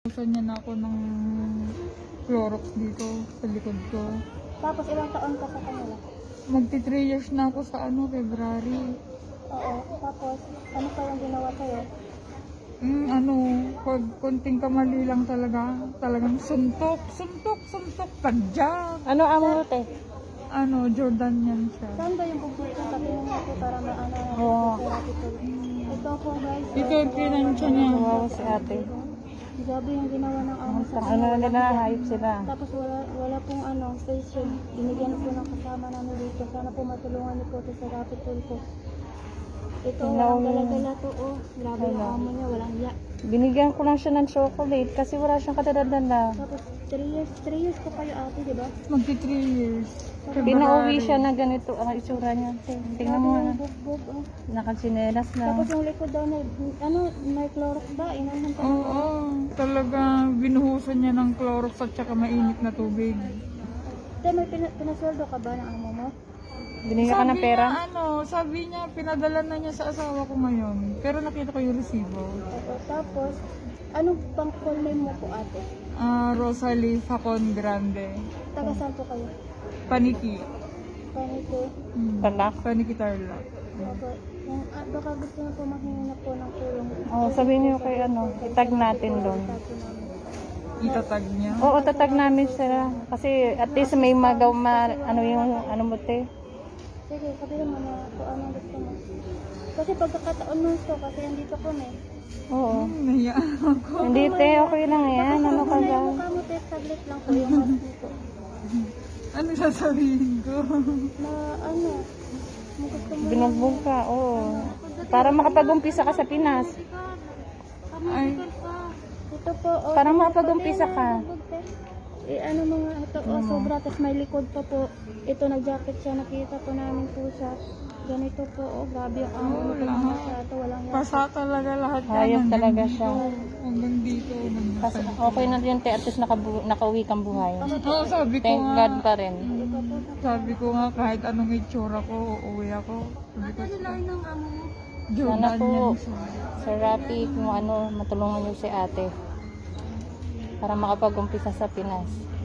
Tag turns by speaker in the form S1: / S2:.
S1: Usan niya na ako ng Clorox dito sa likod ko.
S2: Tapos ilang taon ka sa kanila?
S1: Magti 3 years na ako sa February.
S2: Oo. Tapos, ano pa yung ginawa sa'yo?
S1: Pag konting kamali lang talagang suntok, tadyak.
S2: Ano amo te?
S1: Jordan yan siya.
S2: Saan ba yung pupunta sa tingin mo po para maano
S1: Oo.
S2: Ito po guys.
S1: Ito yung pinansya niya.
S3: Wow, si ate.
S2: Grabe yung ginawa ng amo sa
S3: Ano na nila, hayop sila.
S2: Tapos wala pong station. Binigyan po ng kasama namin dito. Sana po matulungan niyo po ito sa rapid tool ko. Ito, walang gala-gala to. Oh, grabe yung amo niya. Walang hiya.
S3: Binigyan ko lang siya ng chocolate kasi wala siyang kadadala.
S2: Tapos 3 years po kayo ate, di ba?
S1: Magti 3 years.
S3: Pinauwi siya na ganito ang itsura niya. Tingnan mo nga.
S2: Bugbog, oh.
S3: Nakasinelas lang.
S2: Tapos yung likod daw na, may Clorox ba? Inahan ka
S1: Oo, talaga binuhusan niya ng Clorox at saka mainit na tubig.
S2: Te, may pinasweldo ka ba ng amo mo?
S3: Binigyan ka ng pera?
S1: Sabi niya, pinadala na niya sa asawa ko ngayon. Pero nakita ko yung resibo.
S2: Oo, tapos, anong pang call name mo po ate?
S1: Rosalie Facon Grande.
S2: Taga saan po kayo?
S1: Paniki.
S2: Panito.
S3: Talak?
S1: Paniki Tarlac.
S2: Opo. Baka gusto na po mahingi na po ng tulong.
S3: Oh, sabihin niyo kay itag natin doon.
S1: Itatag niya.
S3: Oo, tatag namin sila. Kasi at least may ano mo te.
S2: Sige, sabihin mo na kung anong gusto mo. Kasi pagkakataon nun to, kasi andito ko na eh.
S3: Oo.
S1: Nahiyaan ako.
S3: Hindi te, okay lang yan. Ano ka
S2: Baka
S3: ba?
S2: yung mukha mo te, saglit lang po yung mask dito.
S1: Ano sasabihin ko?
S2: Na ano, kung gusto mo
S3: Binugbog ka, oo. Para makapag-umpisa ka sa Pinas.
S1: Ay,
S2: ito po, oh,
S3: Para makapag-umpisa ka.
S2: ano mga ito, sobra, tapos may likod pa po. Ito, nag-jacket siya, nakita po namin po siya. Ganito po, grabe yung amo mo pag masyado, walang yan.
S1: pasa talaga lahat yan.
S3: Hayop
S1: Hanggang
S3: talaga
S1: dito,
S3: siya.
S1: Hanggang dito.
S3: Kasi okay na yun te, at least nakauwi kang buhay.
S1: Oo, sabi ko
S3: Thank
S1: nga.
S3: God pa rin.
S1: Sabi ko nga kahit anong itsura ko, uuwi ako. Sabi ko,
S2: ng amo mo?
S1: Jordan
S3: Sana po,
S1: yan siya.
S3: Sir Rapi, kung matulungan niyo si ate para makapag-umpisa sa Pinas.